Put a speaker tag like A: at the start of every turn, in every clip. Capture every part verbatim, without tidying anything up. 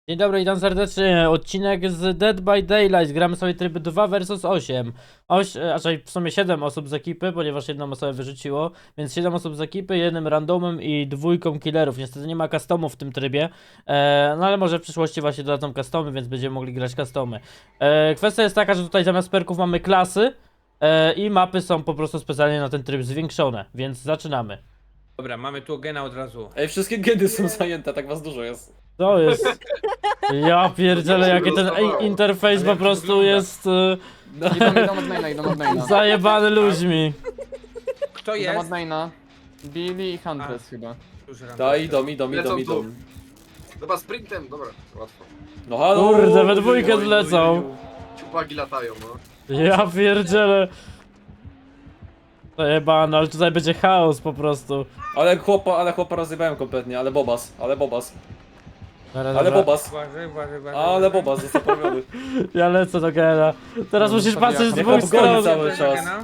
A: Dzień dobry, witam serdecznie. Odcinek z Dead by Daylight. Gramy sobie tryb dwa versus osiem. Oś, a czyli w sumie siedem osób z ekipy, ponieważ jedną osobę wyrzuciło. Więc siedem osób z ekipy, jednym randomem i dwójką killerów. Niestety nie ma customów w tym trybie. E, no ale może w przyszłości właśnie dodadzą customy, więc będziemy mogli grać customy. E, kwestia jest taka, że tutaj zamiast perków mamy klasy. E, I mapy są po prostu specjalnie na ten tryb zwiększone. Więc zaczynamy.
B: Dobra, mamy tu gena od razu.
C: Ej, wszystkie geny są zajęte, tak was dużo jest.
A: To jest... Ja pierdzielę, jaki ten ej, interfejs
B: Ale
A: po
B: jak to
A: prostu
B: wygląda?
A: jest... E,
D: Idą, idą od maina, idą od maina.
A: Zajebany ludźmi.
B: Kto
D: Idą od
B: jest?
D: maina. Billy i Huntress chyba.
B: Już ram-
C: Da, idą, idą, idą,
E: Lecą
C: idą.
E: tu. Dobra, sprintem, dobra, łatwo.
C: No halo!
A: Kurde, we dwójkę
C: Oj, oj,
A: zlecą.
C: oj, oj.
E: Ciupagi latają, no.
A: Ja pierdzielę. Zajebany, ale tutaj będzie chaos po prostu.
C: Ale chłopa, ale chłopa rozjebałem kompletnie, ale bobas, ale bobas,
A: Dobra,
C: ale
A: dobra.
C: bobas,
B: Uważaj, uważaj, uważaj.
C: ale bobas, został poprawiony.
A: Ja lecę do Gena. Teraz
D: No,
A: musisz
D: zostawiam.
A: patrzeć z
C: Niech
A: dwóch
C: on goni
A: stron.
C: cały czas.
B: Gena?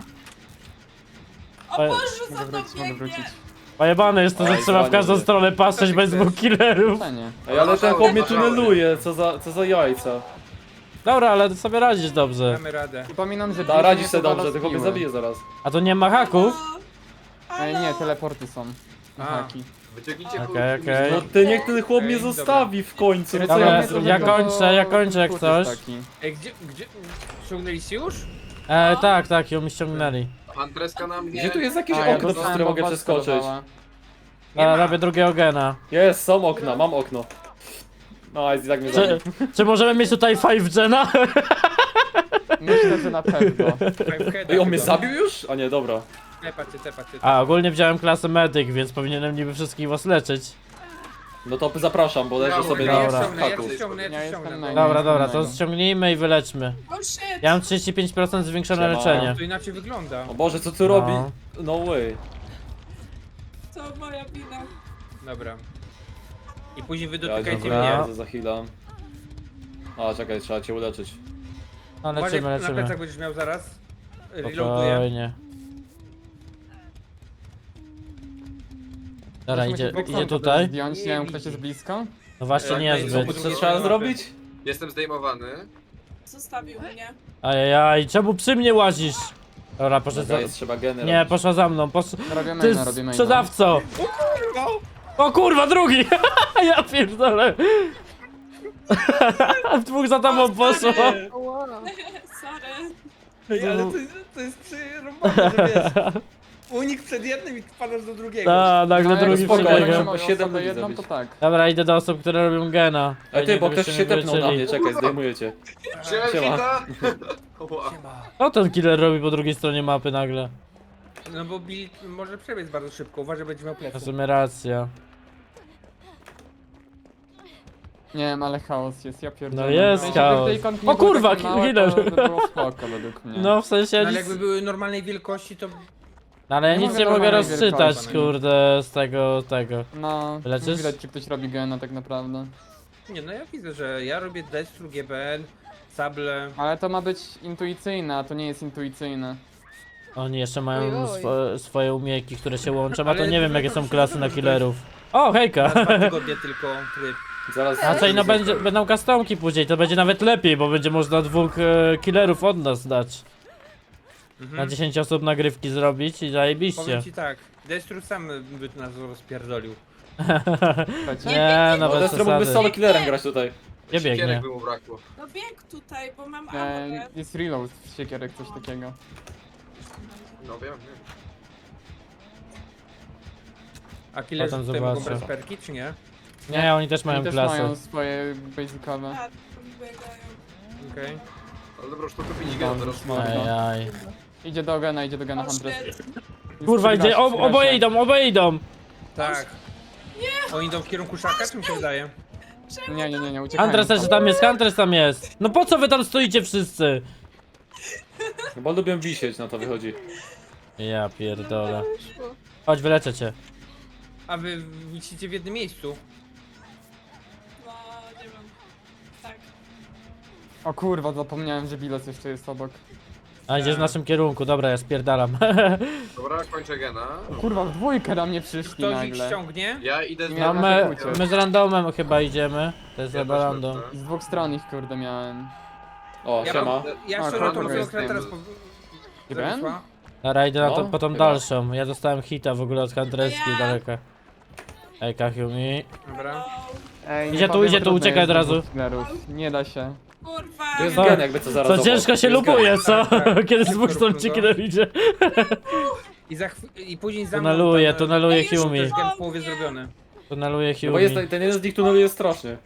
A: Oj,
D: Mogę wrócić, mogę wrócić.
A: Pojebane jest to, że
C: Oj,
A: trzeba w każdą
C: zwalniamy.
A: stronę patrzeć bez dwóch killerów.
D: Fajnie.
C: Ej, ale ten chłop mnie tuneluje, co za, co za jajca.
A: Dobra, ale sobie radzisz dobrze.
B: Mamy radę.
D: Przypominam, że
C: Da,
D: Billy
C: radzisz
D: nie
C: sobie
D: powala
C: dobrze,
D: z
C: tylko mnie
D: piły.
C: zabije zaraz.
A: A to nie ma haków?
D: Ej, nie, teleporty są.
B: A.
D: Haki.
E: Wyciągnijcie
A: Okej,
E: kurczę,
A: okej.
C: No ty, niech ten chłop mnie
B: Ej, dobra.
C: zostawi w końcu, no co
A: Dobra,
C: ja mam
A: ja
C: zrobić?
A: ja kończę, ja kończę jak
D: Kurs
A: coś.
D: jest taki.
B: Ej, gdzie, gdzie? Ściągnęliście już?
A: E, tak, tak, ją mi ściągnęli.
E: Antreska na mnie.
C: Gdzie tu jest jakieś
D: A, ja
C: okno, przez
D: dostałem
C: które mogę
D: bombaskę
C: przeskoczyć?
D: dodała.
B: Nie
A: A,
B: ma.
A: robię drugiego Gena.
C: Jest, są okna, mam okno. No, i tak mnie
A: Czy,
C: zabił.
A: czy możemy mieć tutaj five Gena?
D: Myślę, że na pewno.
C: Ej, on mnie zabił już? A nie, dobra.
B: Tepacie, tepacie.
A: A, ogólnie wziąłem klasę medyk, więc powinienem niby wszystkich was leczyć.
C: No to zapraszam, bo leżę
E: Ja
C: sobie
B: Ja
C: na
B: ja
A: Dobra.
B: ściągnę, ja
C: haku.
B: tu ściągnę, ja
D: Ja
B: tu
D: jestem
B: ściągnę.
D: na-
B: No.
A: Dobra, dobra, to
D: innego.
A: ściągnijmy i wyleczmy.
F: Oh shit!
A: Ja mam trzydzieści pięć procent zwiększone
C: Siema.
A: leczenie.
B: To inaczej wygląda.
C: O Boże, co tu
A: No.
C: robi? No way.
F: To moja wina.
B: Dobra. I później wy
C: Ja
B: dotykajcie
A: dobra.
B: mnie.
C: bardzo zachilam. A, czekaj, trzeba cię uleczyć.
A: No
B: Uważaj,
A: leczymy,
B: na
A: leczymy.
B: plecach będziesz miał zaraz. Reloaduję.
A: Spokojnie. Dobra,
D: Musimy
A: idzie,
D: się boksem
A: idzie
D: potem
A: tutaj.
D: Zdjąć, nie wiem, ktoś jest blisko?
A: No właśnie
E: Tak,
A: niezbyt.
E: no i
C: Co
E: Drugie
C: trzeba
E: mapy.
C: zrobić?
E: Jestem zdejmowany.
F: Zostawił mnie.
A: Ajajaj, czemu przy mnie łazisz? Dobra, poszedł
C: Dobra,
A: za...
C: jest, trzeba geny
A: Nie,
C: robić.
A: poszła za mną, posz...
D: Robię
A: Ty
D: maina, robię maina.
A: sprzedawco! O kurwa, drugi! Ja pierdolę! W dwóch za tobą poszło!
F: Sorry.
B: Ej, ale to, to jest przerąbane, że wiesz. Unik przed jednym i wpadasz do drugiego.
A: A, nagle
D: No, jak
A: drugi
C: spoko,
D: spokojnie,
A: przebiegł.
C: bo
D: moją
C: siedem
D: osobę
C: ludzi
D: jedną,
C: zabić.
D: to tak.
A: Dobra, idę do osób, które robią gena.
C: Ej
A: Fajnie,
C: ty, bo ktoś
A: gdybyście
C: się
A: mnie
C: tepnął na
A: wyleczyli.
C: mnie, czekaj, zdejmuję cię.
E: Wziąłem
C: Siema.
E: hita. Ła.
A: Co ten killer robi po drugiej stronie mapy nagle?
B: No bo Bill może przebiec bardzo szybko, uważaj, będzie miał
A: W
B: plecy.
A: sumie racja.
D: Nie wiem, ale chaos jest, ja pierdolę.
A: No jest
D: Jeśli by
A: chaos.
D: tej konki
A: O
D: nie były
A: kurwa,
D: takie małe,
A: killer.
D: To by było spoko według mnie.
A: No w sensie
B: No, ale
A: nic...
B: jakby były normalnej wielkości, to...
A: No, ale ja
D: Nie
A: nic
D: mogę
A: nie mogę
D: normalnej
A: rozczytać,
D: wielkości.
A: kurde, z tego, tego.
D: No,
A: Leczysz?
D: widać czy ktoś robi gena tak naprawdę.
B: Nie, no ja widzę, że ja robię Destru, G B N, Sable.
D: Ale to ma być intuicyjne, a to nie jest intuicyjne.
A: Oni jeszcze mają
F: Oj, oj.
A: swo swoje umiejki, które się łączą, a to
B: Ale
A: nie wiem
B: to
A: jakie są
B: tak
A: klasy na
B: się
A: killerów. O, hejka!
B: Na dwa tygodnie tylko tryb.
C: Zaraz...
A: A co i no będzie, będą customki później, to będzie nawet lepiej, bo będzie można dwóch e, killerów od nas dać.
B: Mhm.
A: Na dziesięć osób nagrywki zrobić i zajebiście.
B: Powiem ci tak, Destru sam by nas rozpierdolił.
D: Słuchajcie?
A: Nie,
C: No
A: nawet
C: Destro mógłby
A: przesady.
C: solo killerem grać tutaj.
A: Nie biegnie.
E: Siekierek by mu brakło.
F: No bieg tutaj, bo mam
D: E,
F: ammo.
D: jest reload z siekierek, coś takiego.
E: No wiem, wiem.
B: A killerzy
A: Potem
B: tutaj mogą
A: zobaczę.
B: brać perki, czy nie?
A: Nie, oni też mają
D: Oni też
A: klasy.
D: mają swoje basicowe.
F: A, biegają.
B: Okej.
E: Ale dobra, już to kupić gena teraz.
A: Ajaj.
D: Idzie do gena, idzie do gena
F: O
D: Huntress.
F: shit.
D: Jest
A: Kurwa,
D: przy
A: idzie,
D: gasie,
A: o,
D: przy gasie.
A: oboje idą, oboje idą!
B: Tak. Oni idą w kierunku szaka, czy mi się wydaje?
D: Nie, nie, nie, nie, uciekają.
A: Huntress też tam jest, Huntress tam jest. No po co wy tam stoicie wszyscy?
C: No bo lubię wisieć, na to wychodzi.
A: Ja pierdolę. Chodź, wyleczę cię.
B: A wy wisicie w jednym miejscu.
F: No, nie wiem. Tak.
D: O kurwa, zapomniałem, że bilet jeszcze jest obok.
A: A idziesz w naszym kierunku, dobra, ja spierdalam.
E: Dobra, kończę gena.
D: Kurwa, w dwójkę na mnie przyszli
B: Ktoś ich
D: nagle.
B: ściągnie?
E: Ja idę z
D: Nie,
A: No
D: na
A: my,
D: przekucie.
A: my z randomem chyba idziemy. To jest
E: Ja
A: chyba
E: też
A: random.
E: lecę.
D: Z dwóch stron ich kurde miałem.
C: O,
B: Ja,
C: siema.
B: mam, ja
D: A,
B: szczerze
D: kogo
B: tą
D: jest
B: fiolkę
E: tym?
B: teraz po...
D: Gren?
B: zawisła.
A: Dobra, idę na to,
C: No,
A: po tą
C: chyba.
A: dalszą. Ja dostałem hita w ogóle od Huntreski
F: Ja.
A: daleka. Ej, Kahiumi.
B: Dobra.
D: Ej,
A: Idzie
D: nie
A: tu,
D: powiem,
A: idzie tu,
D: trudno
A: uciekaj
D: jest
A: od razu.
D: dwóch killerów. Nie da się.
F: Kurwa.
C: Tu jest
A: Co?
C: gen, jakby co zaraz
A: Co
C: obok.
A: ciężko się
C: Tu jest gen.
A: lubuje, co?
B: Tak, tak.
A: Kiedy z
B: Szybko
A: dwóch stron
B: rób
A: ci
B: to.
A: killer idzie.
B: I, za chw- I później za mną...
A: Tuneluje,
B: tam,
A: tuneluje
F: Ej, już
A: Hiumi.
B: Też gen w połowie zrobiony.
A: Tuneluje
C: No bo jest,
A: Hiumi.
C: ten jeden z nich tuneluje strasznie.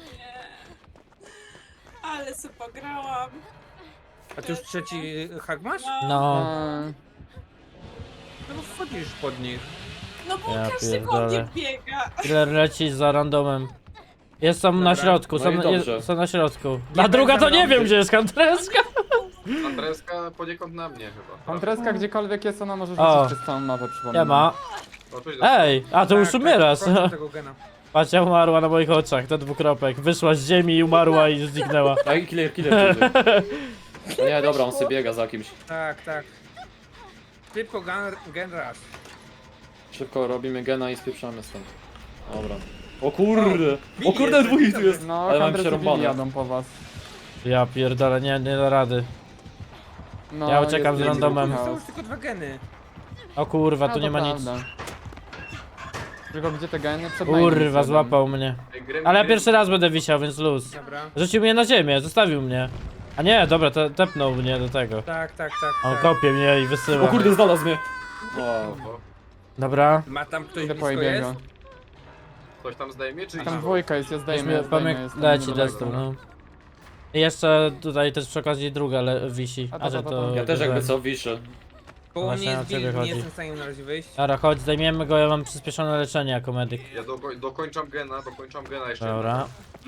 F: Ale se pograłam.
B: A ty już trzeci hak masz?
A: No.
D: Eee,
B: No bo wchodzisz pod nich.
F: No bo
A: Ja
F: każdy po mnie
A: pierdolę.
F: biega.
A: Killer leci za randomem. Jest tam na
B: Dobra.
A: środku,
C: No
A: są,
C: i
A: na-
C: dobrze.
A: jest, są na środku. A
B: Nie
A: druga to
B: będę
A: nie
B: mną.
A: wiem gdzie jest Huntreska.
E: Andreska poniekąd na mnie chyba.
D: Kontreska gdziekolwiek jest, ona może
A: O.
D: rzucić przez całą mapę, przypomnę.
A: Nie ma.
E: O, tu idę.
A: Ej, a to już
B: Tak,
A: umierasz.
B: Tak, kończę tego gena.
A: Pacia umarła na moich oczach, to dwukropek. Wyszła z ziemi i umarła i zniknęła.
C: Ej, killer, killer. killer. No nie, dobra, on sobie biega za kimś.
B: Tak, tak. Szybko gen, gen rush.
C: Szybko robimy gena i spieprzamy stąd. Dobra. O kurde! O kurde, dwóch ich tu jest!
D: No,
C: Ale mam
D: Kandresy
C: przerąbane.
D: jadą po was.
A: Ja pierdolę, nie, nie da rady.
D: No,
A: Ja uciekam
D: jest
A: z randomem.
D: chaos.
B: Są już tylko dwa geny.
A: O kurwa,
D: No,
A: tu
D: to
A: nie ma nic.
D: prawda. Tylko gdzie te geny? Przed nami
A: Kurwa,
D: siedzą.
A: złapał mnie.
E: Ej, Gremlin,
A: Ale ja
E: Gremlin.
A: pierwszy raz będę wisiał, więc luz.
B: Dobra.
A: Rzucił mnie na ziemię, zostawił mnie. A nie, dobra, te, tepnął mnie do tego.
B: Tak, tak, tak.
A: On
B: tak.
A: kopie mnie i
C: O
A: wysyła.
C: kurde, znalazł mnie! O,
E: O,
A: Dobra.
B: Ma tam ktoś
D: Idę po
B: blisko jest?
D: jego.
E: Ktoś tam zdejmie, czy
D: Tam dwójka jest, ja zdejmę, ja
A: Weźmy,
D: zdejmę.
A: pamię-
D: jestem
A: leci
D: niedaleko.
A: destu, no. I jeszcze tutaj też przy okazji druga le- wisi.
D: A to,
A: A że
D: to,
A: to...
D: to.
C: ja też jakby
A: ten.
C: co wiszę.
B: Koło
A: Właśnie
B: mnie
A: na
B: jest
A: ciebie
B: build, nie
A: chodzi.
B: jestem w stanie na razie wyjść.
A: Dobra, chodź, zdejmiemy go, ja mam przyspieszone leczenie jako medyk.
E: Ja do, dokończam gena, dokończam gena jeszcze.
A: Dobra.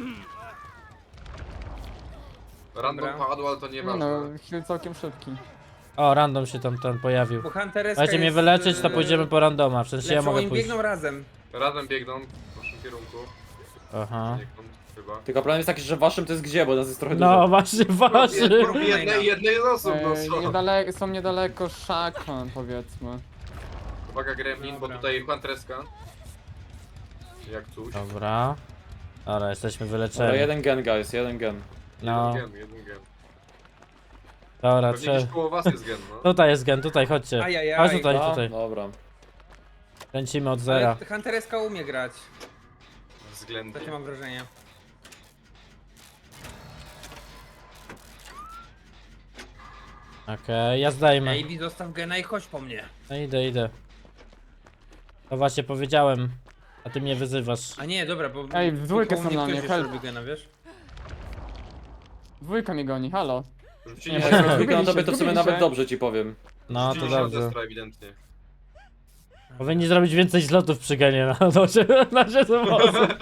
E: Random
B: Dobra.
E: padł, ale to
D: Nie
E: nieważne.
D: no, heal całkiem szybki.
A: O, random się tam ten pojawił.
B: Bo Huntereska
A: Chcecie mnie
B: jest,
A: wyleczyć, to
B: yy,
A: pójdziemy po randoma. W sensie ja
B: lecą,
A: mogę
B: oni
A: pójść.
B: biegną razem.
E: Razem biegną w naszym kierunku.
A: Aha.
E: Biegną chyba.
C: Tylko problem jest taki, że waszym to jest gdzie, bo nas jest trochę
A: No
C: dużo.
A: właśnie, waszy.
E: Jednej, jednej, jednej z osób, no
D: Ej,
E: co?
D: niedaleko, są niedaleko szakon, powiedzmy.
E: Uwaga Gremlin, bo
B: Dobra.
E: tutaj Huntreska. Jak coś.
A: Dobra. Dobra, jesteśmy
C: Dobra,
A: wyleczeni.
C: jeden gen, guys, jeden gen.
A: No,
E: Jeden gen, jeden gen.
A: dobra,
E: Pewnie
A: trzeba.
E: gdzieś koło was jest gen, no.
A: Tutaj jest gen, tutaj, chodźcie.
B: Ajajaj.
A: Chodź tutaj,
C: A,
A: tutaj.
C: dobra.
A: Kręcimy od zera.
B: Ale Huntereska umie grać.
E: Względnie.
B: Takie mam wrażenie.
A: Okej, ja zdejmę.
B: Ej, zostaw gena i chodź po mnie.
A: No idę, idę. To właśnie powiedziałem. A ty mnie wyzywasz.
B: A nie, dobra, bo...
D: Ej, w dwójkę
B: koło
D: są na
B: ktoś
D: mnie,
B: jeszcze
D: help.
B: robi gena, wiesz?
D: Dwójka mnie goni, halo.
E: Rzucili
A: Nie,
E: się
C: Jak
A: Zgubiliście,
C: wygląda tobie, to w sumie
D: zgubiliście.
C: nawet dobrze ci powiem.
A: No, to
E: rzucili się od
A: dobrze.
E: Destra ewidentnie.
A: Powinni zrobić więcej zlotów przy genie na nocie, na siedem osób.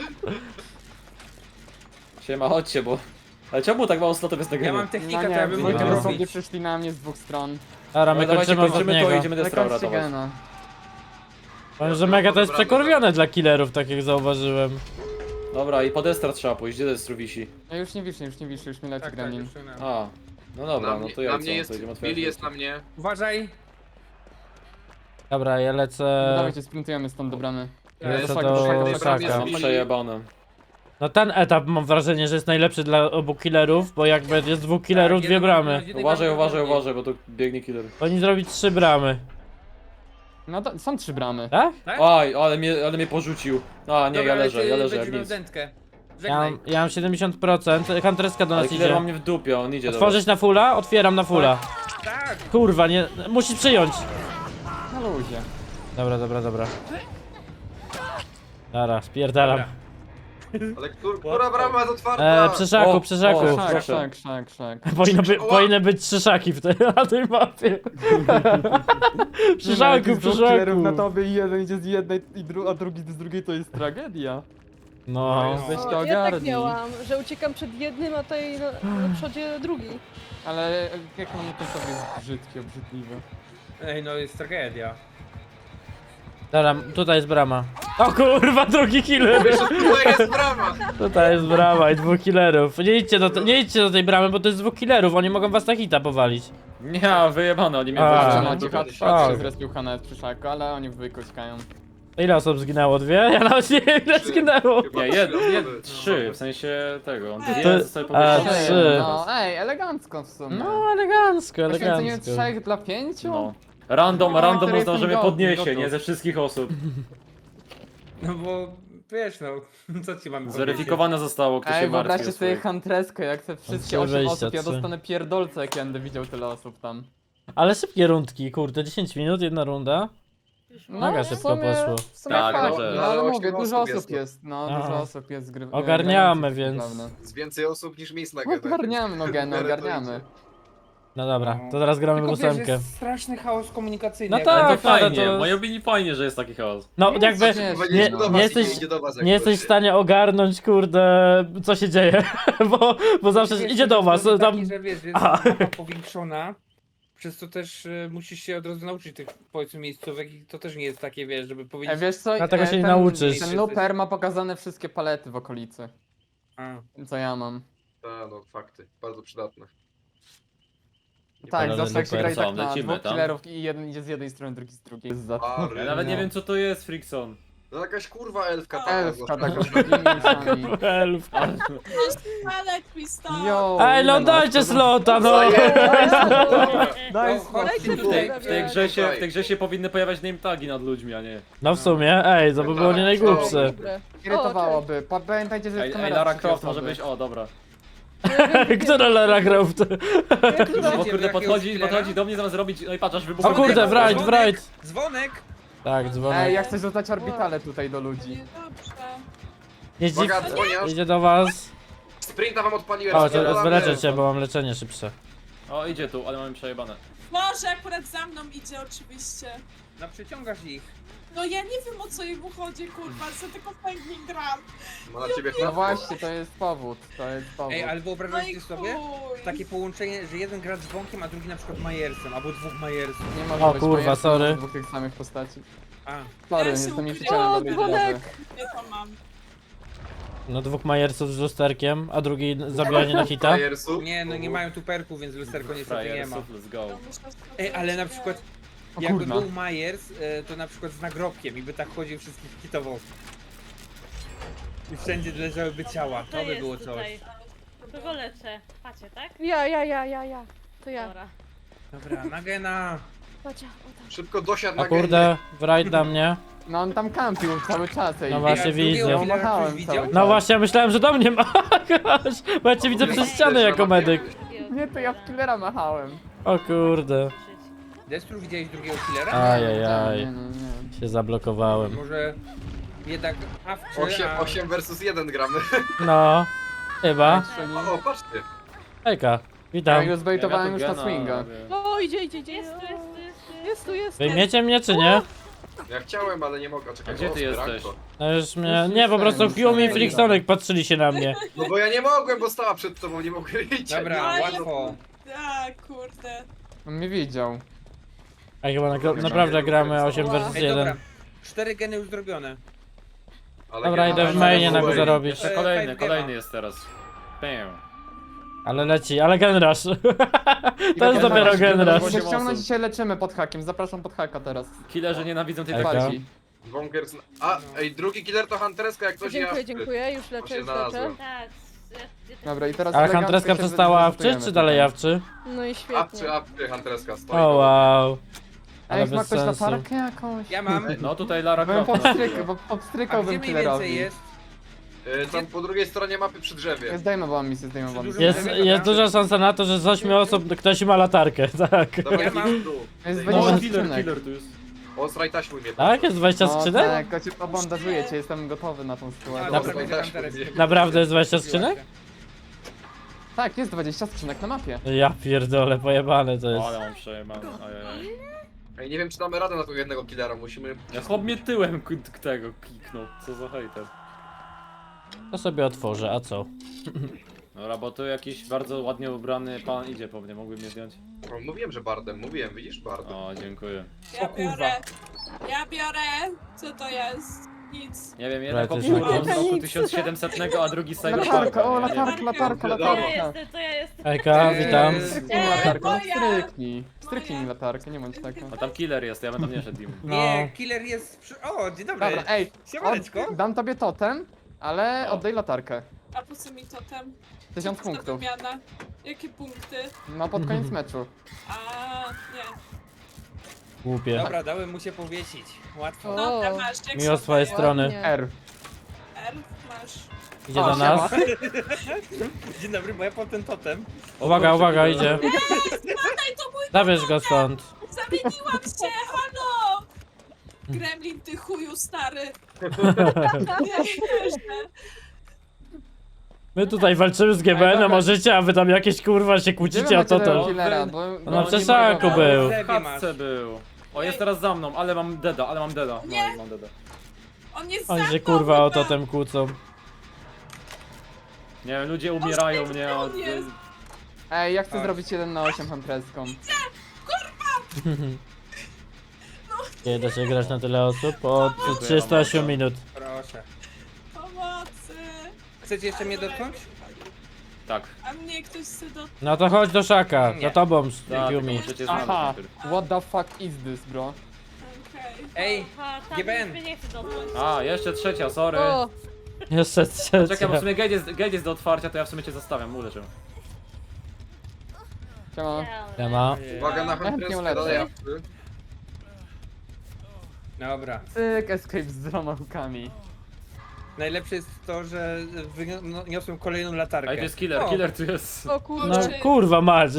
C: Siema, chodźcie, bo... Ale czemu tak mało slotów jest na
B: Ja
C: genie?
B: mam technikę,
D: No
B: to
D: nie,
B: ja bym
D: dwójkę
B: mógł
A: No.
D: dosłownie
B: robić.
D: przyszli na mnie z dwóch stron.
A: Dobra, my
C: No dawajcie,
A: kończymy
C: kończymy to i
A: ostatniego.
C: idziemy Destra
D: Lekarz
C: ratować.
D: gena.
A: Powiem, że mega to jest przekurwione dla killerów, tak jak zauważyłem.
C: Dobra, i po Destra trzeba pójść, gdzie Destru wisi?
D: Ja już nie wiszę, już nie wiszę, już mi leci
B: Tak, tak,
D: gremlin.
B: już na...
C: A, no dobra,
E: na
C: no
E: mnie,
C: to ja
E: na
C: co,
E: mnie
C: to
E: jest,
C: idziemy otwierać.
E: Billy jest na mnie.
B: Uważaj!
A: Dobra, ja
D: No
A: lecę...
D: dawajcie, sprintujemy stąd do bramy.
A: Lecę
E: Jest
A: do
E: tak, że
A: Szaka.
E: jest
C: Mam
E: Billy.
C: przejebane.
A: No ten etap mam wrażenie, że jest najlepszy dla obu killerów, bo jakby jest dwóch killerów,
B: Tak,
A: dwie
B: jedno-
A: bramy.
B: jednej
C: Uważaj,
B: bramy
C: uważaj,
B: bardziej.
C: uważaj, bo tu biegnie killer.
A: Powinni zrobić trzy bramy.
D: No to, są trzy bramy.
A: Tak?
B: Tak?
C: Aj, ale mnie, ale mnie porzucił. A, nie,
B: Dobra,
C: ja
B: ale
C: leżę,
B: ty
C: ja leżę jak
B: będziesz miał
C: nic.
B: dętkę.
A: Ja
B: Żegnaj.
A: mam, ja mam siedemdziesiąt procent, Huntreska do
C: Ale
A: nas
C: killer
A: idzie.
C: ma mnie w dupie, on idzie do
A: Otworzyć na fulla? Otwieram na fulla.
B: Tak!
A: Kurwa, nie... Musisz przyjąć.
D: Na luzie.
A: Dobra, dobra, dobra. Dobra, spierdalam.
E: Ale kur, która brama jest otwarta?
A: E, przy szaku,
C: O,
A: przy szaku.
C: o,
D: Szak,
C: proszę.
D: szak, szak, szak.
A: Powinno by,
E: Oła.
A: powinny być trzy szaki w tej, na tej mapie. Przy szaku, przy szaku.
D: na tobie i jeden idzie z jednej, i dru a drugi z drugiej, to jest tragedia.
A: No.
D: Weź
G: O,
D: to
G: ja tak
D: ogarnij.
G: miałam, że uciekam przed jednym, a tutaj na, na przodzie drugi.
D: Ale jak on ten sobie jest brzydki, obrzydliwy.
B: Ej, no jest tragedia.
A: Dobra, tutaj jest brama. O kurwa, drugi killer!
E: Wiesz, tutaj jest brama!
A: Tutaj jest brama i dwóch killerów. Nie idźcie, do te, nie idźcie do tej bramy, bo to jest dwóch killerów, oni mogą was na hita powalić.
C: Nie, wyjebane, oni mnie
A: A.
D: Jeszcze
C: wyjebane.
D: macie
E: dobra,
D: hat
E: dobra.
D: się zrespił Hanet przy szaku, ale oni w dwójkę uciekają.
A: Ile osób zginęło? Dwie? Ja nawet nie wiem ile
E: Trzy.
A: zginęło.
E: Chyba
C: Nie,
E: trzy
C: jed,
E: osoby.
C: jed,
E: No,
C: trzy, w sensie tego.
A: To-
C: Dwie zostały
A: a,
C: powieszone.
A: trzy.
D: No, ej, elegancko w sumie.
A: No elegancko,
D: Poświęcenie
A: elegancko.
D: trzech dla pięciu?
C: No. Random,
D: No,
C: random
D: który
C: można, że
D: jestem
C: mnie
D: gotów,
C: podniesie,
D: gotów.
C: nie ze wszystkich osób.
B: No bo wiesz no, co ci mamy powiedzieć?
C: Zweryfikowane zostało, kto
D: Ej,
C: się martwi o
D: wyobraźcie sobie
C: swoich.
D: Huntreskę, jak te wszystkie
A: Trzy
D: osiem
A: wyjścia,
D: osób, ja
A: trzy.
D: dostanę pierdolce, jak ja będę widział tyle osób tam.
A: Ale szybkie rundki, kurde, dziesięć minut, jedna runda. Mega
D: w
A: szybko
D: sumie-
A: poszło.
D: W sumie
C: Tak,
D: fajnie,
C: może-
D: no,
E: ale
D: ale
E: osiem
D: mówię, dużo
E: osób
D: osób
E: jest, no.
D: jest, no,
A: Aha.
D: dużo osób jest gry.
A: Ogarniamy,
D: grających,
A: więc-
D: naprawdę.
E: Z więcej osób niż miejsc na genach.
D: Ogarniamy, no geny,
E: W miarę to
D: ogarniamy.
E: idzie.
A: No dobra, to teraz gramy w
B: Tylko wiesz,
A: ósemkę.
B: jest straszny chaos komunikacyjny.
A: No
B: jak
A: tak,
C: Ale
B: będę-
C: to
A: ale
C: fajnie,
A: to-
C: w mojej opinii fajnie, że jest taki chaos.
A: No jakby
D: nie,
E: Chyba
A: nie,
E: idzie do was
A: nie
E: i
A: jesteś,
E: idzie do was, jak
A: nie jesteś w
E: ktoś.
A: stanie ogarnąć, kurde, co się dzieje, bo, bo zawsze
B: Wiesz,
A: idzie do
B: jest
A: was,
B: taki,
A: tam...
B: że wiesz, jest
A: Aha.
B: mapa powiększona, przez to też y, musisz się od razu nauczyć tych, powiedzmy, miejscówek i to też nie jest takie, wiesz, żeby
D: E,
B: powiedzieć...
D: wiesz co,
A: Dlatego
D: e,
A: się nie
D: ten,
A: nauczysz.
D: Ten looper ma pokazane wszystkie palety w okolicy,
B: A.
D: co ja mam.
E: A, no fakty, bardzo przydatne.
D: Tak,
A: palety
D: zawsze jak się
A: looper.
D: gra i tak
C: Co,
D: na
C: lecimy
D: dwóch
C: tam?
D: killerów i jeden idzie z jednej strony, drugi z drugiej. Jest za...
E: A,
C: Ja nawet nie
D: No.
C: wiem co to jest, Frickson.
E: No jakaś kurwa elfka taka.
D: Elfka
E: została.
D: taka z takimi sami.
A: Elf.
F: Ale Kristał.
D: Yo,
A: Ej,
D: ile
A: no
D: nas
A: dajcie
D: to-
A: slota, no!
E: Dobra.
D: Daj
B: No,
D: spokój.
B: chodźcie
E: tu.
B: tutaj.
C: W tej grze się, w tej grze się powinny pojawiać name tagi nad ludźmi, a nie.
A: No w sumie, ej, to by było nie najgłupsze.
G: Dobre.
D: Irytowałoby. Pa- Pamiętajcie, że
C: Ej,
D: jest
C: ej
D: kamera
C: Lara
D: trzeciej
C: Croft może
D: osoby.
C: być, o dobra.
A: Która Lara Croft?
C: Bo kurde,
B: jakiegoś
C: podchodzi,
B: killera?
C: podchodzi do mnie zamiast robić, no i patrz, aż wybucha.
A: O kurde, wright, wright!
B: Dzwonek!
A: Tak,
D: Ej,
A: dzwonek.
D: ja chcę rzucać orbitale tutaj do ludzi.
F: Dobrze.
A: Nie dziw...
E: Uwaga, dzwoniasz.
A: Idzie do was.
E: Sprinta wam odpaliłem.
A: O, to
E: spierdalamy.
A: wyleczę cię, bo mam leczenie szybsze.
C: O, idzie tu, ale mamy przejebane.
F: Może akurat za mną idzie oczywiście.
B: No przyciągasz ich.
F: No ja nie wiem o co jemu chodzi, kurwa, co tylko fajnie gram.
E: Ma na ciebie
D: No
E: chleb.
D: właśnie, to jest powód, to jest powód.
B: Ej, ale
F: No i
B: wyobrażacie sobie
F: chuj.
B: takie połączenie, że jeden gra dzwonkiem, a drugi na przykład Majersem, albo dwóch Majersów.
D: Nie może
A: O
D: być
A: kurwa,
D: Majersa
A: sorry.
D: dwóch tych samych postaci.
B: A,
D: Sorry,
F: Ja się
D: jestem
F: ukryłam.
D: nieprzycielny
G: O,
D: do
G: dzwonek!
D: gry.
F: Nie to mam.
A: No dwóch majersów z lusterkiem, a drugi zabijanie na hita.
E: Frajersu.
B: nie, no nie mają tu perku, więc lusterko niestety nie ma.
C: Frajersów, let's go.
F: To muszę sprawdzić.
B: Ej, ale na przykład
D: O
B: jakby
D: kurna.
B: był Majers, e, to na przykład z nagrobkiem i by tak chodził wszystkich hitował. I wszędzie leżałyby ciała, to by
H: jest
B: było coś.
H: tutaj. Kogo leczę? Pacie, tak?
G: Ja, ja, ja, ja, ja. To ja.
H: Dobra.
B: Dobra, Nagena.
G: Pacia, o tam.
E: Szybko dosiadł
A: A
E: na
A: kurde, wright na mnie.
D: No on tam kampił cały czas, ej.
A: No właśnie
B: a drugiego
A: widzę.
B: killera
D: Machałem
B: ktoś widział?
D: cały
A: No właśnie, ja myślałem, że do mnie ma. Bo ja cię widzę przez ścianę jako medyk.
D: Nie, to ja w killera machałem.
A: O kurde.
B: Destru, widziałeś drugiego killera?
A: Ajajaj.
D: Nie, nie, nie.
A: Się zablokowałem.
B: Może jednak awczy,
E: osiem,
B: a...
E: osiem versus jeden gramy.
A: No. Chyba.
E: O, patrzcie.
A: Hejka.
D: Ja
A: Witam.
D: już zbejtowałem
C: Ja
D: już
C: tu
D: na
C: gena
D: swinga.
C: robię.
G: O, idzie, idzie, idzie.
H: Jest tu, jest tu, jest tu.
G: Jest tu, jest tu.
A: Wyjmiecie mnie czy nie?
E: Ja chciałem, ale nie mogę. Czekaj,
C: A gdzie
E: o,
C: ty
E: speranko.
C: jesteś?
A: No już mnie. Nie, po prostu Fiumi i Flixonek patrzyli się na mnie.
E: No bo ja nie mogłem, bo stała przed tobą, nie mogłem iść.
B: Dobra,
F: Aj,
B: łatwo.
F: Tak, kurde.
D: On mnie widział.
A: A chyba na, naprawdę gramy osiem versus
B: Ej, dobra.
A: jeden.
B: Cztery geny już zrobione.
E: Ale
A: Dobra,
E: gena-
A: idę w mainie na go
E: Oj.
A: zarobić.
C: Jeszcze
B: E,
C: kolejny,
B: five
C: kolejny
B: gema.
C: jest teraz. Bam.
A: Ale leci, ale genrush.
D: I
A: To jest
D: dobra,
A: dopiero
D: się
A: genrush.
C: osiem
D: ściągnąć
C: osób.
D: dzisiaj leczymy pod hakiem. Zapraszam pod haka teraz.
C: Killerzy nienawidzą tej
A: Ejka.
C: taktyki.
E: Wonkers... A, ej, drugi killer to Huntereska, jak ktoś
G: Dziękuję,
E: ja...
G: dziękuję. Już
E: On
G: leczę,
E: się
G: już leczę.
E: znalazłem.
H: Tak. Ja, ja też
D: Dobra, i teraz
A: Ale
D: elegancko
A: Huntreska
D: się
A: przestała awczyć,
D: zrezygnujemy
A: czy dalej
D: tutaj.
A: awczy?
G: No i
E: Apczy,
G: świetnie.
E: apczy, Huntereska stoi.
A: O wow.
D: A jak
A: Ale
D: ma
A: bez
D: ktoś
A: sensu.
D: latarkę jakąś?
B: Ja mam.
C: No tutaj Lara
D: Bym
C: Croft.
D: popstryk, bo
B: A gdzie
D: popstrykałbym
B: mniej
D: killerowi.
B: więcej jest?
E: Y, Tam po drugiej stronie mapy przy drzewie.
D: Zdejmowałam misję, zdejmowałam
B: Dużo-
D: misję.
A: Jest, jest duża szansa na to, że z ośmiu osób ktoś ma latarkę, tak.
E: Dobra,
B: Ja mam-
E: idź tu.
D: Jest
E: Ej,
C: No,
D: dwadzieścia
C: killer,
D: skrzynek.
C: killer tu jest.
E: O, straj taśmuj mnie.
A: Tak? Jest dwadzieścia
D: No
A: skrzynek?
D: tak, ja cię pobandażuję cię, jestem gotowy na tą
B: A,
D: sytuację.
B: dobra,
E: Dobra,
B: będzie
E: też
B: Hunteres.
E: mówię.
A: Naprawdę jest dwadzieścia skrzynek?
D: Tak, jest dwadzieścia skrzynek na mapie.
A: Ja pierdolę, pojebane to jest.
C: O, ale mam przejebane. Ajajaj.
E: Ej, nie wiem, czy damy radę na tego jednego killera, musimy...
C: Ja chłop mnie tyłem k- k- tego kliknął. Co za hejter.
A: To sobie otworzę, a co?
C: Dobra, bo tu jakiś bardzo ładnie ubrany pan idzie po mnie, mógłby mnie zdjąć?
E: O, mówiłem, że bardem, mówiłem, widzisz, bardem.
C: O, dziękuję.
F: Ja
B: O kurwa.
F: biorę. Ja biorę. Co to jest? Nic.
C: Nie wiem, jeden
A: Right,
C: kopie
A: jest
C: urwał z
G: taki-
C: roku
G: Nic.
C: tysiąc siedemsetnego, a drugi z Cyberpunka.
D: Latarka, o
C: nie? Nie wiem.
D: latarka, latarka,
H: To ja
D: latarka.
H: jestem, to ja jestem.
A: Hejka, witam.
B: Eee,
D: Stryknij
F: Nie,
D: latarkę, no
F: moja.
D: stryknij. Stryknij mi latarkę, nie bądź taka.
C: A tam killer jest, ja bym tam nie szedł im.
A: No.
B: Nie, killer jest przy... O, dzień dobry.
D: Dobra, ej,
B: Siemaneczko.
D: od, dam tobie totem, ale
C: O.
D: oddaj latarkę.
F: A po co mi totem?
D: Tysiąc
F: Co
D: punktów.
F: za wymiana? Jakie punkty?
D: No pod koniec meczu.
F: A nie.
A: Głupie.
B: Dobra, dałem mu się powiesić. Łatwo.
G: O.
F: Dobra, masz. Jak
A: Miło z
F: są
A: twojej
F: moje?
A: strony.
G: Ładnie.
D: R.
F: R, masz.
A: Idzie
D: O,
A: do nas.
D: siema.
B: Dzień dobry, bo ja po ten totem.
A: Uwaga, uwaga, idzie.
F: Daj to mój
A: Zabierz go stąd.
F: Zamieniłam się, halo! Gremlin, ty chuju stary. Nie wierzę.
A: My tutaj walczymy z G B N-em o życie, a wy tam jakieś kurwa się kłócicie o to
D: tego
A: to.
D: killera, bo...
A: No
D: bo
A: na
D: nie
A: przesaku
D: mogę-
A: był.
B: Lewie
C: W
B: masz.
C: chatce był. O, jest teraz za mną, ale mam deda, ale mam deda. No,
F: Nie.
C: mam deda.
F: On jest
A: Oni
F: za
A: się
F: mną
A: kurwa o
F: chyba.
A: totem kłócą.
C: Nie wiem, ludzie umierają
F: Boże,
C: mnie
F: gdzie
C: od...
F: on jest?
D: Ej, ja chcę
B: Tak.
D: zrobić jeden na osiem huntreską.
A: Nie da się grać na tyle osób od trzydziestu ośmiu minut.
B: Proszę.
F: Pomocy.
B: Chcecie jeszcze mnie dotknąć?
C: Tak.
F: A mnie ktoś chce do...
A: No to chodź do szaka,
B: Nie.
A: za tobą,
C: Tak, tylko
A: Yumi.
C: możecie
D: Aha,
C: znaleźć najpierw.
D: what the fuck is this, bro?
F: Okej.
B: Ej,
H: Aha, tam
B: G B N.
H: już mnie nie chcę dotknąć.
C: A, jeszcze trzecia, sorry.
G: O,
A: Jeszcze
C: Czekaj, bo w
A: trzecia.
C: sumie gate jest, gate jest do otwarcia, to ja w sumie cię zostawiam, uleczę.
D: Siema.
A: Nie ma.
E: Uwaga na
D: Chętnie
E: Hunterskę,
D: ulecę.
E: dalej afty.
B: Dobra.
D: Cyk, escape z dwoma łukami.
B: Najlepsze jest to, że wyniosłem kolejną latarkę.
C: Ej, to jest killer,
B: O,
C: killer tu jest.
G: o kurczę.
A: No kurwa mać.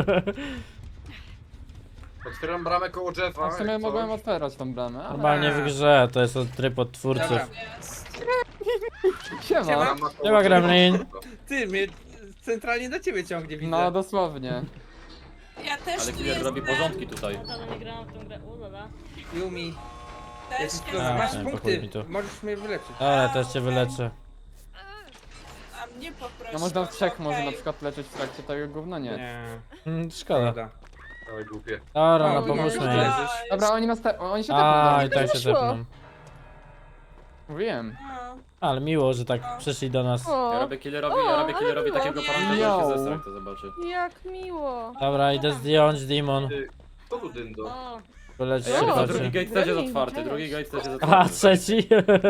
E: Otwieram bramę koło Jeffa.
D: A w sumie
E: jak
D: mogłem
E: coś.
D: otwierać tą bramę, ale...
A: Normalnie w grze, to jest od tryb od twórców.
B: Dobra.
F: Jest.
D: Siema.
E: Brama koło
A: Siema,
E: Jeffa.
A: Gremlin.
B: Ty, mnie centralnie na ciebie ciągnie, widzę.
D: No, dosłownie.
F: Ja też
C: Ale
F: tu
C: killer robi
F: jestem.
C: porządki tutaj.
H: Ja dawno nie grałam w tą grę, ulala.
B: Yumi,
F: Też
B: jesteś tu,
F: jestem.
B: masz
A: nie,
B: punkty,
A: pochuj mi tu.
B: możesz mnie wyleczyć.
A: Ale też cię wyleczę.
F: A mnie poprosił.
D: No można w trzech może
F: okej.
D: na przykład leczyć w trakcie tego gówna, nie.
B: Nie,
A: Mm, szkoda.
B: szkoda.
E: Dawaj, głupie.
A: Dobra, no
B: O,
A: pomóżmy
B: nie.
A: jej.
F: A,
D: Dobra, oni nas te... oni się
A: A,
D: tepną
A: i
D: do
A: tak
D: mnie.
A: się
G: wyszło.
A: zepną.
D: Mówiłem.
F: no.
A: Ale miło, że tak przyszli do nas.
C: Ja
G: O,
C: robię killerowi, ja robię killerowi takiego paranta, że
D: Yo.
C: się zesrać, to zobaczy.
G: jak miło.
A: Dobra, idę zdjąć demon.
E: Ty, kto tu dyndo?
H: O,
A: Wyleć
C: Ej,
A: się
C: ale to
G: O,
C: drugi
A: oczy.
C: gate też jest
G: Gremlin,
C: otwarty,
G: cześć.
C: drugi gate też jest
A: A,
C: otwarty.
A: trzeci.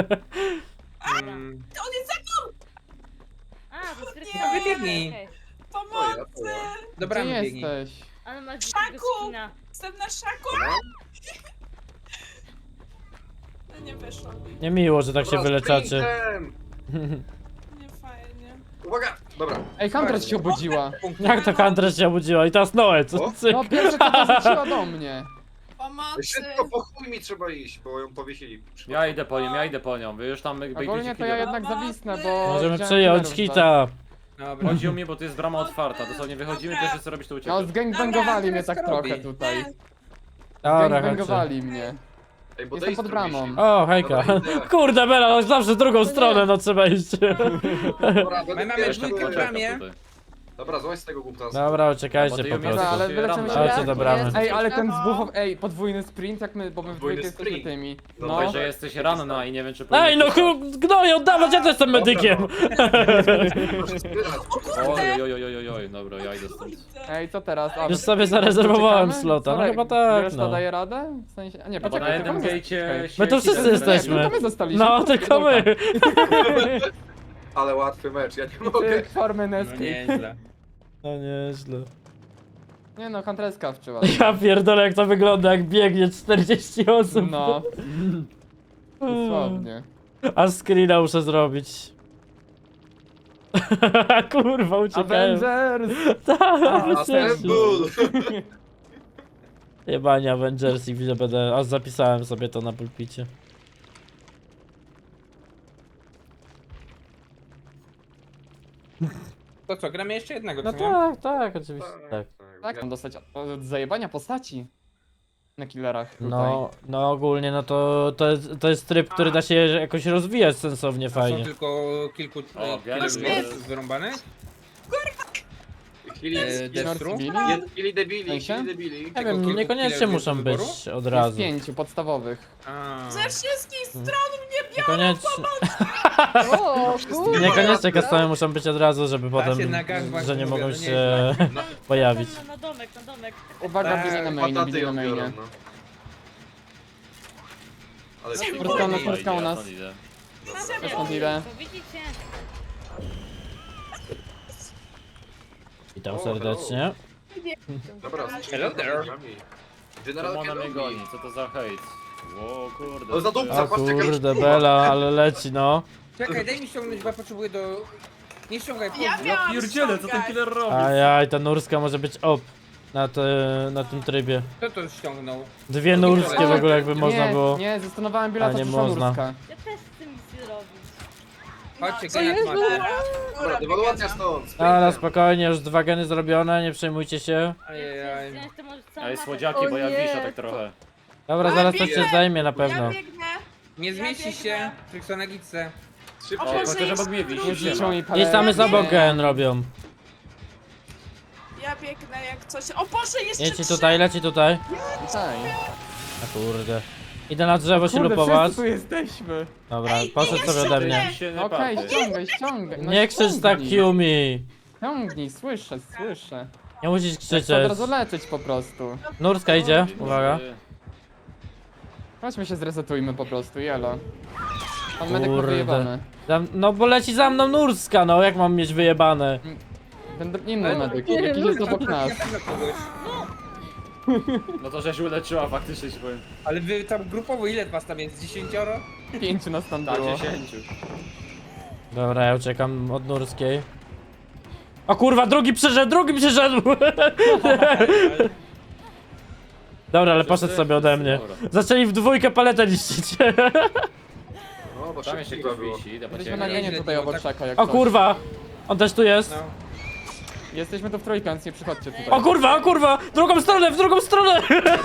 B: Mm,
F: On jest za mną!
H: a, to jest gry
F: Nie,
B: wybiegnij.
H: okej.
F: Pomocy!
E: to ja.
B: Dobra,
D: Gdzie
B: biegnij.
D: jesteś?
H: Ale masz
F: Szaku!
H: dzikiego skina.
F: Jestem na szaku! No nie wyszło mi.
A: Nie miło, że tak się
E: Dobra,
A: wyleczacie.
E: sprintem!
F: Nie fajnie.
E: Uwaga! Dobra.
D: Ej, Huntress się obudziła.
A: Jak to Huntress się obudziła? I teraz Noe, co
E: O,
A: cyk.
D: No pierwsze co to rzuciła do mnie.
F: Pomocy!
E: Szybko po chuj mi trzeba iść, bo ją powiesili.
C: Ja idę po nią, ja idę po nią, wy już tam jakby
D: Ogólnie
C: idziecie
D: to ja
C: killer.
D: jednak zawisnę, bo...
A: Możemy
D: wziąłem
A: przyjąć
D: killerów
A: hita.
B: Dobra.
C: Chodzi o mnie, bo tu jest brama otwarta, dosłownie wychodzimy, pierwsze co robisz to
D: No
C: uciekać.
D: zgangbangowali
B: Dobra,
D: mnie tak
B: teraz
D: trochę
B: robi.
D: tutaj.
F: Nie.
A: Dobra, chodźcie.
D: Zgangbangowali mnie.
E: Ej, bo
D: Jestem
E: Days
D: pod
E: tu
D: bramą.
E: wisi.
A: O, hejka.
E: Dobra, idę.
A: Kurde, Bela, no zawsze w drugą stronę, no trzeba iść.
E: Dobra,
B: My mamy
E: pierwszy
B: dwójkę w
E: poczekam
B: bramie.
E: tutaj. Dobra, złaź z tego głupta.
A: Dobra,
C: Bo
A: uciekajcie
C: ty
A: po
C: ją
A: prostu.
D: Dobra, ale
C: jesteś
D: wyleczymy się
C: ranna.
A: Chodźcie do bramy.
D: Ej, ale ten
F: Aha.
D: z buchów, ej, podwójny sprint, jak my, bo my w
E: Podwójny
D: dwójkę jesteśmy
E: sprint.
D: tymi.
E: No,
D: No,
C: Mówię, że jesteś ranna i nie wiem czy
A: Ej, no
C: powinieneś-
A: chu- gnoju, oddawać, ja też jestem medykiem.
E: Proszę zbierać.
C: Oj, oj, oj, oj, oj, oj, dobra, ja idę stąd.
D: ej, co teraz? A,
A: Już sobie zarezerwowałem
D: czekamy?
A: slota, no
D: Sorry,
A: chyba tak,
D: Reszta
A: no.
D: daje radę? W sensie, a nie,
C: No bo na
D: poczekaj,
C: jednym
D: tylko my-
C: gejcie
A: My tu wszyscy
C: siedzi
A: jesteśmy.
D: Tylko my zostaliśmy.
A: No, tylko my.
E: Ale łatwy mecz, ja nie mogę.
D: Tyk, formy
B: No
D: Nesky.
B: nieźle.
A: No nieźle.
D: Nie no, Huntresska wczyła.
A: Ja pierdolę, jak to wygląda, jak biegnie czterdzieści osób.
D: No. Dosłownie.
A: A screena muszę zrobić. Kurwa, uciekają.
D: Avengers!
A: Tak,
E: A
A: uciekli.
E: ten ból.
A: Jebanie Avengers i widzę, będę, aż zapisałem sobie to na pulpicie.
B: To co, gramy jeszcze jednego,
A: No
B: co nie?
A: tak, tak, oczywiście, tak.
D: Tak, mam dostać od zajebania postaci. Na killerach tutaj.
A: No, no ogólnie, no to, to, jest, to jest tryb, który da się jakoś rozwijać sensownie,
B: A są
A: fajnie.
B: tylko kilku
C: O,
B: e,
C: Gary
B: kilku
C: jest-
B: jest wyrąbanych?
E: Kili,
B: E, Destru?
E: Jed- kili debili,
D: Sensie?
E: kili debili.
A: Nie
B: Tego
A: wiem,
B: kilku
A: niekoniecznie
B: killerów
A: muszą
B: do
A: być
B: wyboru?
A: od
D: Jest
A: razu.
D: pięciu podstawowych.
B: A.
F: Ze wszystkich stron mnie
A: Niekoniecznie,
G: O, kurde.
A: niekoniecznie customy muszą być od razu, żeby
B: Da
A: potem,
B: się na gangbang
A: że nie
B: mówię,
A: mogą
B: no
A: się
B: nieźle.
A: pojawić.
H: Na, na domek, na domek.
D: Uwaga,
B: Tak,
D: bili na mainie,
E: Pataty
D: bili na
E: ją biorą,
D: mainie.
E: no. Ale
D: Fryska u nas, fryska u nas.
H: Też
D: stąd idę.
H: Widzicie?
A: Witam
E: O,
A: serdecznie.
E: Dobra,
B: Hello there.
E: General
C: Ona mnie
E: Kenobi.
C: goni, co to za hejt? O kurde.
E: O, za dupca.
A: O kurde, Bela, ale leci no.
B: Czekaj, daj mi ściągnąć, bo ja potrzebuję do... Nie ściągaj,
F: Ja
B: chodź.
F: miałam
C: Pierdziele, co ten
F: ściągać.
C: killer robi?
A: Ajaj, ta nurska może być op. Na, te, na tym trybie.
B: Kto to ściągnął?
A: Dwie nurskie w ogóle jakby można
D: Nie,
A: było.
D: nie, zastanowałem
A: A,
D: Biela,
A: nie
D: to przyszła
A: można.
D: nurska.
H: Ja też chcę nic zrobić.
B: Chodźcie,
F: Co
B: Genat
G: jest?
B: macie.
E: Dobra, dewaluacja stąd.
A: Ale spokojnie, już dwa geny zrobione, nie przejmujcie się.
B: Ajajaj.
H: Wziąć to może całą
C: Ej,
H: mapę.
C: słodziaki, bo ja
G: O nie.
C: wiszę tak trochę.
A: Dobra, zaraz to się zajmie na pewno.
F: Ja biegnę.
B: Nie zmieści się, Friksona Gitse.
E: Szybko.
F: O,
C: O,
F: Boże,
C: chociaż
F: jest-
C: obok mnie wiś,
D: Nie
C: siema.
D: zliczą mi
A: Gdzieś tam jest obok gen robią.
F: Ja biegnę jak coś. O Boże, jeszcze
A: Leci
F: trzy.
A: tutaj, leci tutaj.
D: Tutaj.
A: A kurde. Idę na drzewo się
D: Kurde,
A: lupować.
D: wszyscy tu jesteśmy.
A: Dobra,
F: Ej,
A: poszedł
F: nie,
A: sobie ode mnie.
F: jeszcze
C: Się nie
D: Okej,
C: patrzę.
D: ściągaj, ściągaj. No
A: Nie krzycz tak,
D: ściągnij.
A: Yumi.
D: Ciągnij, słyszę, słyszę.
A: Nie musisz
D: Chcę od
A: krzyczeć.
D: razu leczyć po prostu.
A: Nurska idzie, uwaga.
D: Chodźmy się zresetujmy po prostu, jelo. Pan medyk ma
A: Kurde.
D: wyjebane.
A: Za- No bo leci za mną Nurska, no jak mam mieć wyjebane?
D: Ten dr- inny medyk,
G: nie,
D: jakiś
G: no,
D: jest obok nas.
B: Na pewno kogoś.
C: No to żeś uleczyła faktycznie, się powiem.
B: Ale wy tam grupowo ile was tam jest? Dziesięcioro?
D: Pięciu nas tam
C: Tak,
D: było.
C: dziesięciu.
A: Dobra, ja uciekam od Nurskiej. O kurwa, drugi przyszedł, drugi przyszedł! Dobra, ale poszedł sobie ode mnie.
C: Dobra.
A: Zaczęli w dwójkę paletę niszczyć.
E: No, bo
C: Tam jeszcze
E: szybko
C: ktoś
E: było.
C: wisi, idę po
D: Jesteśmy
C: ciebie.
D: na genie
B: Nieźle
D: tutaj
B: było,
D: obok
B: tak.
D: czeka, jak
A: O
D: coś.
A: kurwa! On też tu jest.
B: No.
D: Jesteśmy tu w trójkę, więc nie przychodźcie tutaj.
A: O kurwa, o kurwa! W drugą stronę, w drugą stronę!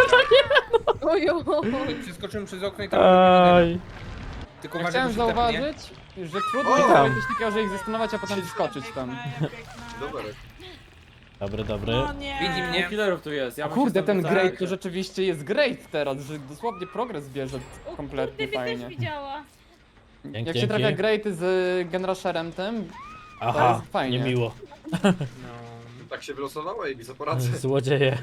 G: Ojo.
B: Przeskoczyłem przez okno i tam...
A: Aj.
B: Tylko
D: Ja
B: uważaj,
D: chciałem
B: bo się tepnie.
D: zauważyć, że trudno
E: O!
D: jest zrobić coś takiego, że ich zastanować, a potem wskoczyć tam.
F: Ja biegnę.
E: Dobra.
A: Dobry, dobry.
F: No nie.
B: Widzi mnie.
C: Dwóch killerów tu jest, ja
D: O
C: bym się
D: kurde,
C: stąd
D: ten
C: wycofał.
D: great to rzeczywiście jest great teraz, że dosłownie progres bierze
H: O
D: kompletnie
H: kurde, mnie
D: fajnie.
H: też widziała.
A: Dzięki,
D: Jak się
A: dzięki.
D: trafia greaty z Genrasherem tym,
A: Aha,
D: jest fajnie.
A: niemiło.
B: No.
E: Tak się wylosowało, Ej, co poradzę.
A: Złodzieje.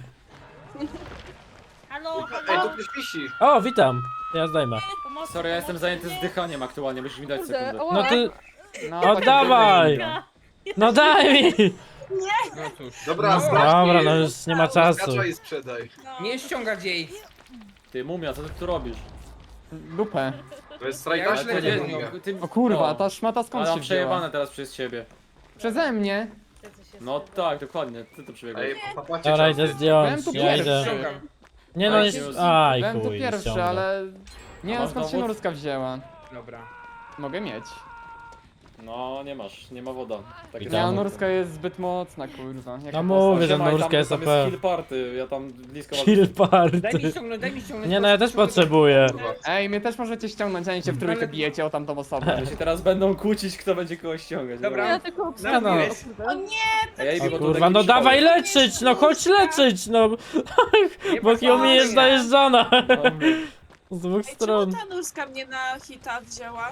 H: Halo,
E: Ej,
H: halo.
E: tu ktoś wisi.
A: O, witam. Ja zdejmę.
H: Pomocy,
C: Sorry, ja jestem
H: pomocy,
C: zajęty
H: nie.
C: zdychaniem aktualnie, musisz mi dać
G: Kurde,
C: sekundę.
G: o,
A: No ty...
D: no
A: Oddawaj! No daj mi!
B: No cóż.
E: Dobra,
B: No.
E: sprawdź
A: Dobra,
E: mi.
A: no już nie ma czasu.
E: Skacza i sprzedaj.
F: No.
B: Nie ściągać jej.
C: Ty, mumia, co ty tu robisz?
D: Dupę.
E: To jest
B: Ja
E: strajka
B: już
E: śledzie,
B: nie
E: Dominika.
B: wiem.
C: ty,
D: O kurwa,
C: no.
D: ta szmata skąd
C: Ale
D: się
C: mam
D: wzięła?
C: przejebane teraz przez ciebie.
D: Przeze mnie.
H: Co się
C: No
H: stało?
C: tak, dokładnie, ty to przebiegłeś.
E: Ej, papacie
A: Dobra,
E: czasy.
A: idę zdjąć,
D: Byłem tu
A: ja
D: pierwszy.
A: idę.
B: Ściągam.
A: Nie no,
C: Ej,
A: jest...
C: już.
A: Aj,
D: Byłem tu
A: chuj,
D: pierwszy,
A: ściągnę.
D: ale... Nie
C: A
D: wiem
C: masz
D: skąd się
C: dowód?
D: nurska wzięła.
B: Dobra.
D: Mogę mieć.
C: No, nie masz, nie ma woda. Takie
A: Witam.
D: Nie,
C: samo.
D: nurska jest zbyt mocna, kurwa. Jaka
A: No mówię,
D: postać.
A: że
C: Siema, i
A: nurska
C: tam,
A: jest
C: tam
A: O P.
C: jest kill party, ja tam blisko was-
A: Kill
B: Daj mi
A: party.
B: ściągnąć, daj mi ściągnąć.
A: Nie no, ja też
B: proszę,
A: potrzebuję.
E: Kurwa.
D: Ej, mnie też możecie ściągnąć, a nie się w trójkę
B: Ale-
D: bijecie o tamtą osobę.
C: Że się teraz będą kłócić, kto będzie kogoś ściągać.
B: Dobra.
G: Ja tylko
B: No,
G: obstawiam.
B: no.
F: O nie,
C: A ja idę
A: O
C: po
A: kurwa,
C: takim
A: no
C: szkole.
A: dawaj leczyć, no chodź leczyć, no.
B: Nie
A: Bo Yumi jest
B: pasuje.
A: najeżdżana.
C: Dobra.
A: Z dwóch
F: Ej, czemu
A: stron.
F: ta nurska mnie na hita wzięła?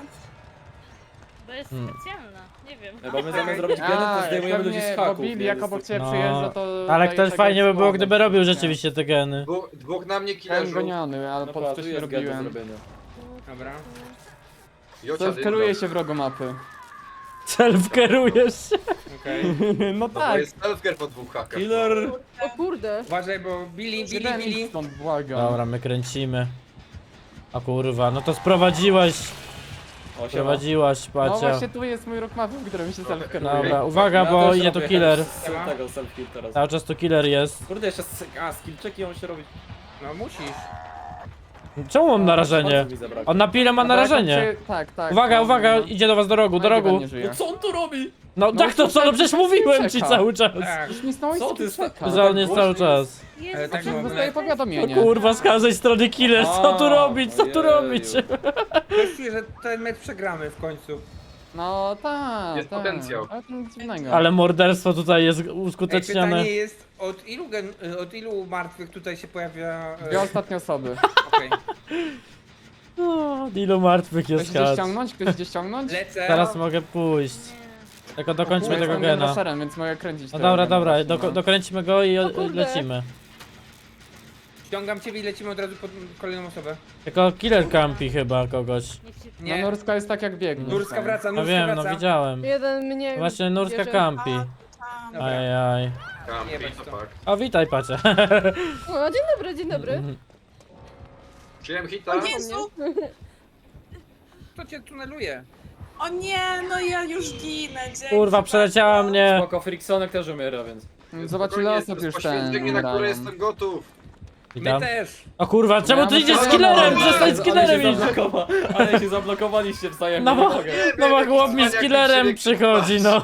H: Bo jest
A: Hmm.
H: specjalna, nie wiem.
C: Nie, bo my zamiast zrobić genet, to
D: A,
C: zdejmujemy ludzi z
D: pewnie,
C: haków.
D: bo Billy
C: nie?
D: jak
C: To
D: obok
C: jest-
D: ciebie
A: No,
D: przyjeżdża, to...
A: Ale
D: daje
A: ktoś
D: tego
A: fajnie by było,
D: słowa.
A: gdyby robił
D: Nie.
A: rzeczywiście te geny.
E: Dwóch, dwóch na mnie
D: Byłem
E: killerzu.
D: goniony, ale
C: No
D: po
C: patrz, tu
D: wcześniej
C: jest gen do
D: robiłem.
C: zrobienia.
B: Dobra.
E: Jocia
D: Self-kieruję się w rogu mapy.
A: Self-kerujesz się.
B: Okej.
D: No
E: No bo
D: tak.
E: jest self-care po dwóch hakach.
C: Killer!
G: O kurde.
B: Uważaj, bo Billy, Billy,
D: Jeden
B: Billy.
D: stąd, błagam.
A: Dobra, my kręcimy. A kurwa, no to sprowadziłaś,
C: O, siema.
A: sprowadziłaś,
D: No
A: pacia.
D: właśnie tu jest mój rok mapy, w którym się self-kieruje.
A: Dobra, uwaga,
C: Ja
A: bo
C: też
A: idzie tu
C: robię
A: killer.
C: z tego self-kill teraz.
A: Cały czas tu killer jest.
C: Kurde, jeszcze z... A, skill checki on się robi.
B: No musisz.
A: Czemu mam narażenie?
C: Bardzo mi zabrakło.
A: On na pile ma
D: Dobra,
A: narażenie.
D: jak się- Tak, tak.
A: Uwaga,
D: no,
A: uwaga,
D: no, no.
A: idzie do was do rogu, do
D: No i Dywan
A: rogu.
D: nie żyje.
C: No co on tu robi?
A: No
D: No,
A: tak to co, no przecież mówiłem ci
D: czeka.
A: cały czas.
B: Tak.
D: Już mi znowu
C: Co ty
D: jest
C: sta-
D: czeka.
A: Że on jest cały czas.
B: Ale
H: Jest,
B: tak
D: Przecież
B: mam-
D: dostaję powiadomienie.
A: Kurwa, z każdej strony killer, co tu
C: A,
A: robić, co tu
C: ojeju.
A: robić?
B: Coś czuję, że ten mecz przegramy w końcu.
D: No tak,
E: Jest
D: tak.
E: potencjał.
D: Ale to nic dziwnego.
A: Ale morderstwo tutaj jest
B: Ej,
A: uskutecznione.
B: pytanie jest, od ilu, gen, od ilu martwych tutaj się pojawia... e,
D: Dwie ostatnie osoby.
B: Okej.
A: O, ilu martwych
D: Ktoś
A: jest
D: gdzie
A: kat.
D: ściągnąć? Ktoś gdzie ściągnąć?
B: Lecę.
A: Teraz mogę pójść. Tylko dokończmy
B: Kurde,
A: tego
D: Jestem
A: gena.
D: generatorem, więc mogę kręcić
A: No
D: tego
A: dobra,
D: gena
A: dobra,
D: właśnie,
A: doko
D: no.
A: dokręcimy go i o-
G: kurde.
A: lecimy.
B: Ściągam ciebie i lecimy od razu pod kolejną osobę.
A: Tylko killer campi chyba kogoś.
H: Niech się...
D: No
B: Nie,
D: Nurska jest tak jak biegnie.
B: Nurska wraca,
A: No
B: Nurska
A: wiem, no
B: wraca.
A: widziałem.
G: Jeden mnie
A: Właśnie Nurska
G: bierze.
A: campi.
B: Dobra.
A: Ajaj.
E: Kampi,
B: Jebać
E: to
B: to.
E: tak.
A: O, witaj Pacie.
G: O, dzień dobry, dzień dobry.
E: Przyjąłem hita.
F: O Jezu!
B: To cię tuneluje.
F: O nie, no ja już ginę, dzięki.
A: Kurwa, przeleciała mnie.
C: Spoko, Friksonek też umiera, więc...
D: Zobacz ile
E: Spokojnie,
D: osób
E: to jest
D: już ten
E: poświęcenie, na które
D: umierają.
E: jestem gotów.
B: My
A: Witam.
B: też.
A: O kurwa, czemu
D: Ja
A: ty
D: muszę-
A: idziesz z
D: Ale-
A: killerem?
E: ale-
A: Przestań z
C: Ale
A: killerem
C: się
A: iść.
C: zablokowa- Ale się zablokowaliście wzajemnie,
A: No
C: nie
A: bo-
C: mogę.
A: No bo
E: Jaki
A: chłop mi z
E: cwaniak,
A: killerem
E: jak
A: przychodzi, no.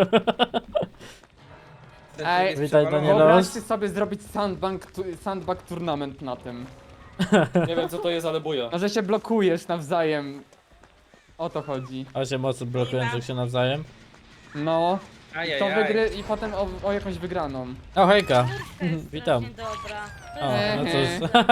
B: Ten
D: Ej,
B: tryb jest
A: witaj,
B: przewalony.
A: Danielo.
D: Wyobraźcie sobie zrobić sandbank, tu, sandbank tournament na tym.
C: Nie wiem co to jest, ale buja.
D: No, że się blokujesz nawzajem. O to chodzi.
A: Osiem osób blokujących się nawzajem.
D: No. I to
B: Ajajaj.
D: wygry i potem o, o jakąś wygraną.
A: O, hejka.
H: Nurka jest
A: Witam.
H: strasznie dobra. To
A: O,
H: jest...
A: no
D: Ehe.
A: cóż.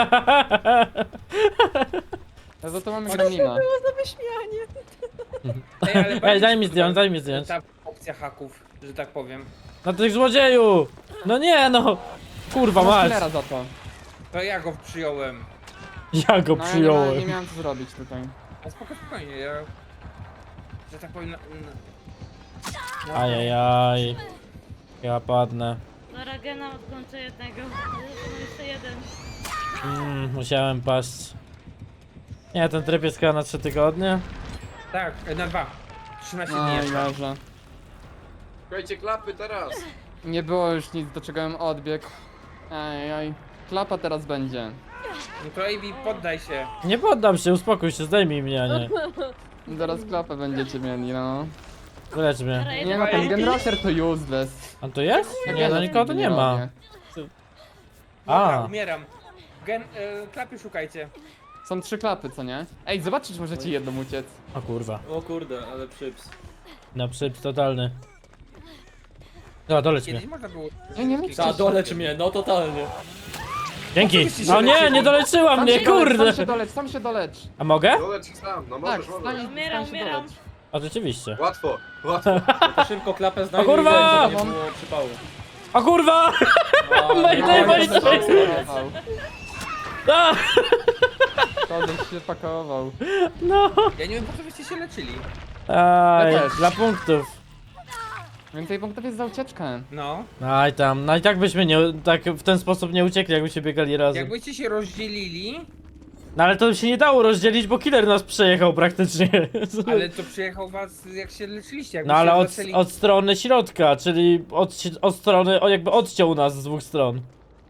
D: No to, to mamy granina.
G: Było za wyśmianie.
B: Ej, ale
A: Ej,
B: bardzo
A: daj mi
B: super
A: zdjąć, daj mi zdjąć.
B: Ta opcja haków, że tak powiem.
A: No tych złodzieju! No nie, no. Kurwa
D: Masz
A: mać.
D: killera za to.
B: To ja go przyjąłem.
A: Ja go
D: No ja nie, ma,
A: przyjąłem.
D: nie miałem co zrobić tutaj.
B: A spoko, spokojnie, ja... Że tak powiem... Na, na...
A: Ajajaj. Ja padnę.
H: Dobra, gena odkończę jednego. Został jeszcze jeden.
A: Mm, musiałem paść. Nie, ten tryb jest chyba na trzy tygodnie.
B: Tak, na dwa. trzynaście dni
D: No i
B: jeszcze.
D: dobrze.
E: Słuchajcie, klapy teraz.
D: Nie było już nic, do czego bym odbiegł. Ej, klapa teraz będzie.
B: No to A B, poddaj się.
A: Nie poddam się, uspokój się, zdejmij mnie, a nie.
D: Zaraz klapę będziecie mieli, no.
A: Wylecz mnie.
H: Dobra,
D: Nie
H: jeden
D: no, ten
H: kolejny.
D: generator to useless.
A: A to jest?
D: Ja
A: Nie, no
D: też
A: nikogo tu
D: nigdy
A: nie ma.
D: robię.
B: Dobra,
A: A.
B: umieram. Gen... E, klapy szukajcie.
D: Są trzy klapy, co nie? Ej, zobaczcie, czy możecie jedną uciec.
A: O kurwa.
C: O kurde, ale przyps.
A: No przyps totalny. No, doleć mnie.
B: Kiedyś można było...
D: Nie, nie mówcie.
C: Ta, dolecz mnie, no totalnie.
A: Dzięki.
B: Oczywiście się
A: No nie,
B: leczymy.
A: nie doleczyła
D: Sam
A: mnie,
D: się dolecz,
A: kurde.
D: sam się dolecz, sam się dolecz.
A: A mogę?
E: Doleć ich sam, no
D: Tak,
E: możesz,
D: stań,
E: możesz.
H: Umieram,
D: stań się
H: umieram.
D: dolecz.
A: O, rzeczywiście.
E: Łatwo, łatwo.
C: No to szybko klapę znajdę
A: O kurwa!
C: i żeby nie było przypału.
A: O kurwa!
C: A,
A: Mayday,
C: no,
A: mayday.
C: to jest koniec.
D: Pakował.
A: A,
D: Koleś się pakował.
A: no.
B: Ja nie wiem, po co byście się leczyli.
A: Aj,
D: Ja też.
A: dla punktów.
D: Więcej punktów jest za ucieczkę.
B: No.
A: Aj tam, no i tak byśmy nie, tak w ten sposób nie uciekli, jakbyśmy biegali razem.
B: Jakbyście się rozdzielili,
A: No ale to się nie dało rozdzielić, bo killer nas przejechał praktycznie.
B: ale to przyjechał was jak się leczyliście.
A: No ale od,
B: zaczęli...
A: od strony środka, czyli od, od strony, o jakby odciął nas z dwóch stron.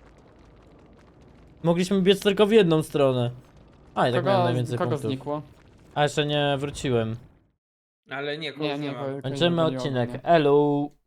A: Mogliśmy biec tylko w jedną stronę. A i tak miałem
D: Kogo,
A: najwięcej
D: kogo
A: punktów.
D: znikło?
A: A jeszcze nie wróciłem.
B: Ale nie, kogoś
D: Nie,
B: nie,
D: nie,
B: ma.
D: kogoś
A: Kończymy
D: nie było,
A: odcinek.
D: nie.
A: Elu.